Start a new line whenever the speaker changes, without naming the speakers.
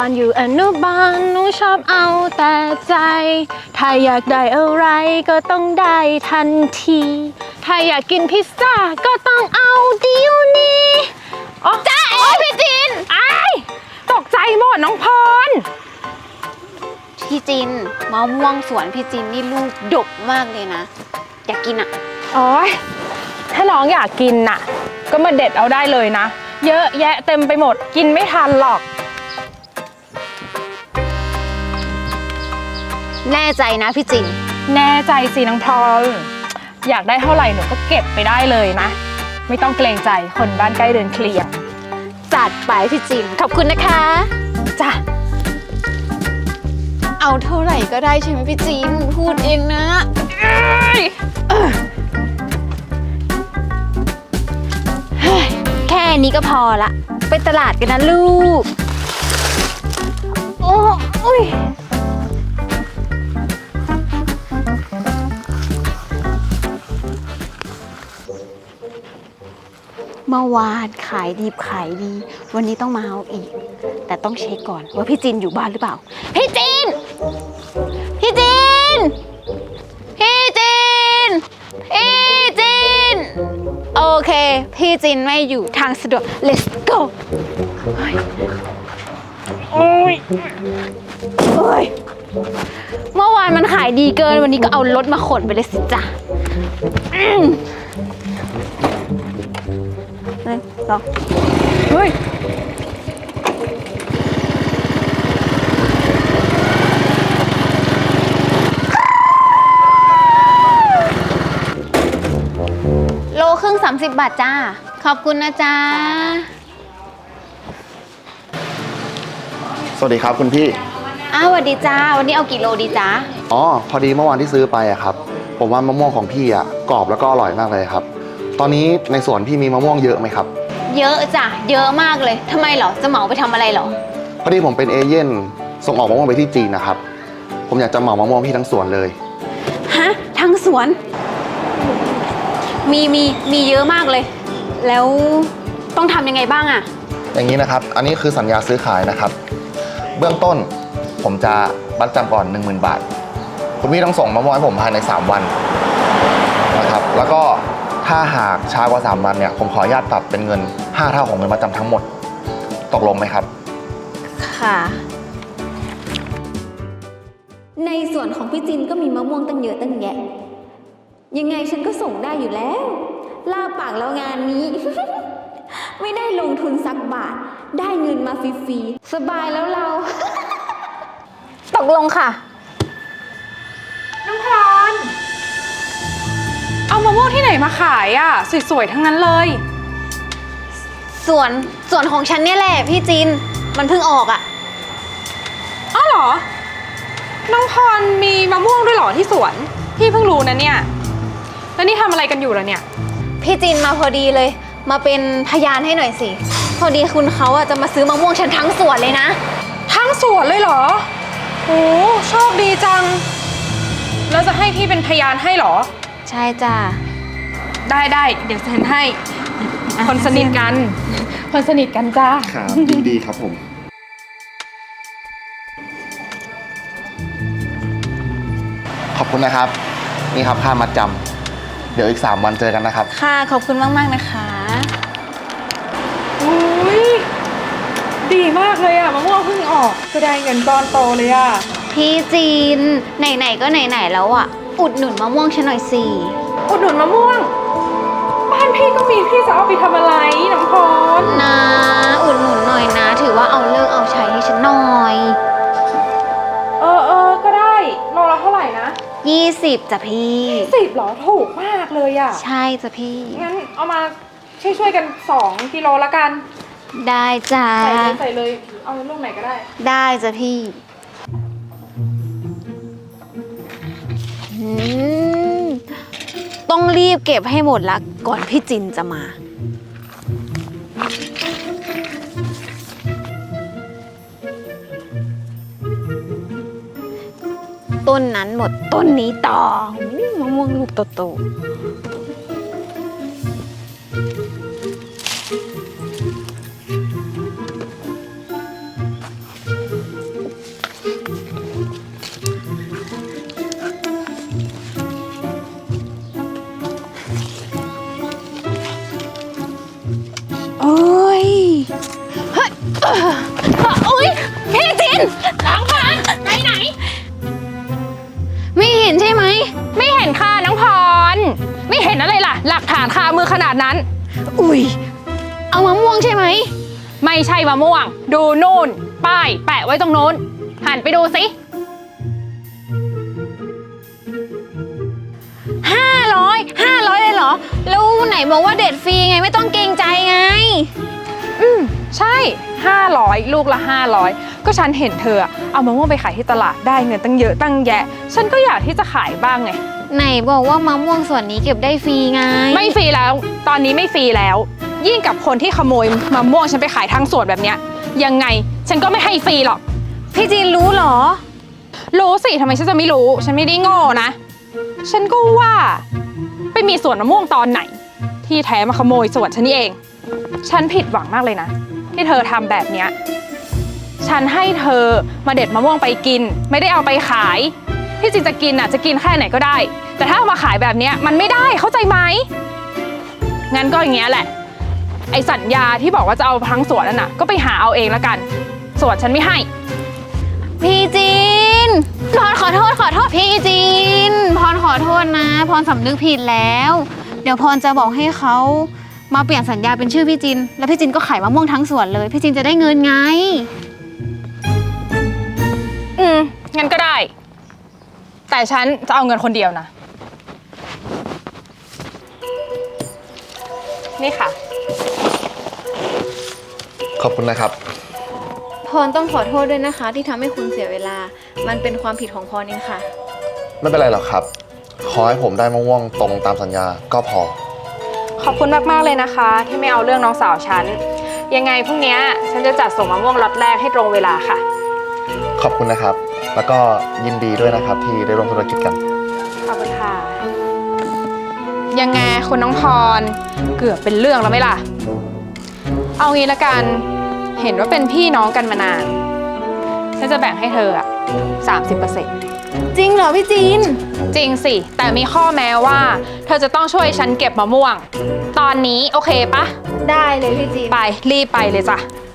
อนอยู่อนุบาลหนูชอบเอาแต่ใจถ้าอยากได้อะไรก็ต้องได้ทันทีถ้าอยากกินพิซซ่าก็ต้องเอาเดี๋ยวนี้จ้าเอ๋พี่จินตกใจหมดน้องพร
พี่จินมะม่วงสวนพี่จินนี่ลูกดกมากเลยนะอยากกินอ่ะ
โอ๊ยถ้าน้องอยากกินน่ะก็มาเด็ดเอาได้เลยนะเยอะแยะเต็มไปหมดกินไม่ทันหรอก
แน่ใจนะพี่จิน
แน่ใจสิน้องพรอยากได้เท่าไหร่หนูก็เก็บไปได้เลยนะไม่ต้องเกรงใจคนบ้านใกล้เดินเคลียร์
จัดไปพี่จินขอบคุณนะคะ
จ้ะ
เอาเท่าไหร่ก็ได้ใช่ไหมพี่จินพูดเองนะแค่นี้ก็พอละไปตลาดกันนะลูกโอ้ยเมื่อวานขายดีวันนี้ต้องมาเอาอีกแต่ต้องเช็คก่อนว่าพี่จินอยู่บ้านหรือเปล่าพี่จินโอเคพี่จินไม่อยู่ทางสะดวก let's go โอ้ยเมื่อวานมันขายดีเกินวันนี้ก็เอารถมาขนไปเลยสิจ้ะ1 2เฮ้ยโลครึ่ง30 บาทจ้าขอบคุณนะจ้า
สวัสดีครับคุณพี่
สวัสดีจ้าวันนี้เอากี่โลดีจ้า
อ๋อพอดีเมื่อวานที่ซื้อไปอะครับผมว่ามะม่วงของพี่อะกรอบแล้วก็อร่อยมากเลยครับตอนนี้ในสวนพี่มีมะม่วงเยอะไหมครับ
เยอะจ้ะเยอะมากเลยทำไมเหรอจะเหมาไปทำอะไรเหรอ
พอดีผมเป็นเอเย่นส่งออกมะม่วงไปที่จีนนะครับผมอยากจะเหมามะม่วงพี่ทั้งสวนเลย
ฮะทั้งสวนมีเยอะมากเลยแล้วต้องทำยังไงบ้างอะ
อย่างนี้นะครับอันนี้คือสัญญาซื้อขายนะครับเบื้องต้นผมจะมัดจำก่อน 10,000 บาทคุณพี่ต้องส่งมะม่วงให้ผมภายใน3 วันนะครับแล้วก็ถ้าหากช้ากว่า3 วันเนี่ยผมขออนุญาตปรับเป็นเงิน5 เท่าของเงินมัดจำทั้งหมดตกลงไหมครับ
ค่ะในส่วนของพี่จินก็มีมะม่วงตั้งเยอะตั้งแยะยังไงฉันก็ส่งได้อยู่แล้วลาปากแล้วงานนี้ ไม่ได้ลงทุนสักบาทได้เงินมาฟรีๆสบายแล้วเรา ตกลงค่ะ
น้องพรเอามะม่วงที่ไหนมาขายอ่ะสวยๆทั้งนั้นเลย
ส่วนของฉันเนี่ยแหละพี่จินมันเพิ่งออกอ่ะ
อ้าวเหรอน้องพรมีมะม่วงด้วยเหรอที่สวนพี่เพิ่งรู้นะเนี่ยแล้วนี่ทำอะไรกันอยู่ล่ะเนี่ย
พี่จินมาพอดีเลยมาเป็นพยานให้หน่อยสิพอดีคุณเขาอะจะมาซื้อมะม่วงฉันทั้งสวนเลยนะ
ทั้งสวนเลยเหรอโอ้โชคดีจังแล้วจะให้พี่เป็นพยานให้เหรอ
ใช่จ้ะ
ได้เดี๋ยวเซ็นให้คนสนิทกันจ้า
ครับดีครับผมขอบคุณนะครับนี่ครับค่ามัดจำเดี๋ยวอีก3 วันเจอกันนะครับ
ค่ะขอบคุณมากๆนะคะ
อุ้ยดีมากเลยอะมะม่วงเพิ่งออกก็ได้เงินก้อนโตเลยอะ
พี่จีนไหนๆก็ไหนๆแล้วอะอุดหนุนมะม่วงฉันหน่อยสิ
อุดหนุนมะม่วงบ้านพี่ก็มีพี่จะเอาไปทำอะไรน้ำพร
นะอุดหนุนหน่อยนะถือว่าเอาเลิกเอาใช้ให้ฉันหน่อย
ก็ได้โลละเท่าไหร่นะ
20จ้ะพี่
20หรอถูกมากเลยอะ
ใช่จ้ะพี่
งั้นเอามาช่วยกัน2 กิโลละกัน
ได้จ้ะ
ใส่เลยเอาลูกไหนก็ได้
ได้จ้ะพี่ต้องรีบเก็บให้หมดละก่อนพี่จินจะมาต้นนั้นหมดต้นนี้ต่อมะม่วงลูกโตๆ
น้องพรไปไหน
ไม่เห็นใช่ไหม
ไม่เห็นค่ะน้องพร ไม่เห็นอะไรล่ะ หลักฐานคามือขนาดนั้น
อุ้ยเอามะม่วงใช่ไหม
ไม่ใช่มะม่วง ดูนู่น ป้ายแปะไว้ตรงโน้น หันไปดูสิ
500เลยเหรอแล้วไหนบอกว่าเด็ดฟรีไงไม่ต้องเกรงใจไง
ใช่ 500 ลูกละ 500 ก็ฉันเห็นเธอเอามะม่วงไปขายที่ตลาดได้เงินตั้งเยอะตั้งแยะ ฉันก็อยากที่จะขายบ้างไง
ไหนบอกว่ามะม่วงส่วนนี้เก็บได้ฟรีไง
ไม่ฟรีแล้ว ตอนนี้ไม่ฟรีแล้ว ยิ่งกับคนที่ขโมยมะม่วงฉันไปขายทางสวนแบบเนี้ย ยังไงฉันก็ไม่ให้ฟรีหรอก
พี่จีนรู้เหรอ
รู้สิทำไมฉันจะไม่รู้ ฉันไม่ได้โง่นะ ฉันก็ว่าไปมีสวนมะม่วงตอนไหน ที่แท้มาขโมยสวนฉันนี่เอง ฉันผิดหวังมากเลยนะ ที่เธอทำแบบเนี้ยฉันให้เธอมาเด็ดมะม่วงไปกิน ไม่ได้เอาไปขายที่จริงจะกินจะกินแค่ไหนก็ได้ แต่ถ้าเอามาขายแบบเนี้ยมันไม่ได้เข้าใจไหมงั้นก็อย่างเงี้ยแหละ ไอสัญญาที่บอกว่าจะเอาทั้งสวนนั่นน่ะก็ไปหาเอาเองละกันสวนฉันไม่ให้
พี่จีนพรขอโทษพี่จีนพรขอโทษนะพรสำนึกผิดแล้ว เดี๋ยวพรจะบอกให้เขามาเปลี่ยนสัญญาเป็นชื่อพี่จินแล้วพี่จินก็ขายมะม่วงทั้งสวนเลยพี่จินจะได้เงินไง
งั้นก็ได้ แต่ฉันจะเอาเงินคนเดียวนะ นี่ค่ะ
ขอบคุณนะครับ
พรต้องขอโทษด้วยนะคะ ที่ทำให้คุณเสียเวลา มันเป็นความผิดของพรเองค่ะ
ไม่เป็นไรหรอกครับ ขอให้ผมได้มะม่วงตรงตามสัญญาก็พอ
ขอบคุณมากๆเลยนะคะ ที่ไม่เอาเรื่องน้องสาวฉัน ยังไงพรุ่งนี้ฉันจะจัดส่งมะม่วงล็อตแรกให้ตรงเวลาค่ะ
ขอบคุณนะครับ แล้วก็ยินดีด้วยนะครับที่ได้ร่วมธุรกิจกัน
ขอบคุณค่ะ ยังไงคุณน้องพร เกือบเป็นเรื่องแล้วไหมล่ะ เอางี้ละกัน เห็นว่าเป็นพี่น้องกันมานาน ฉันจะแบ่งให้เธอ30%
จริงเหรอพี่จีน
จริงสิ แต่มีข้อแม้ว่า เธอจะต้องช่วยฉันเก็บมะม่วง ตอนนี้โอเคปะ
ได้เลยพี่จีน
ไปรีบไปเลยจ้ะ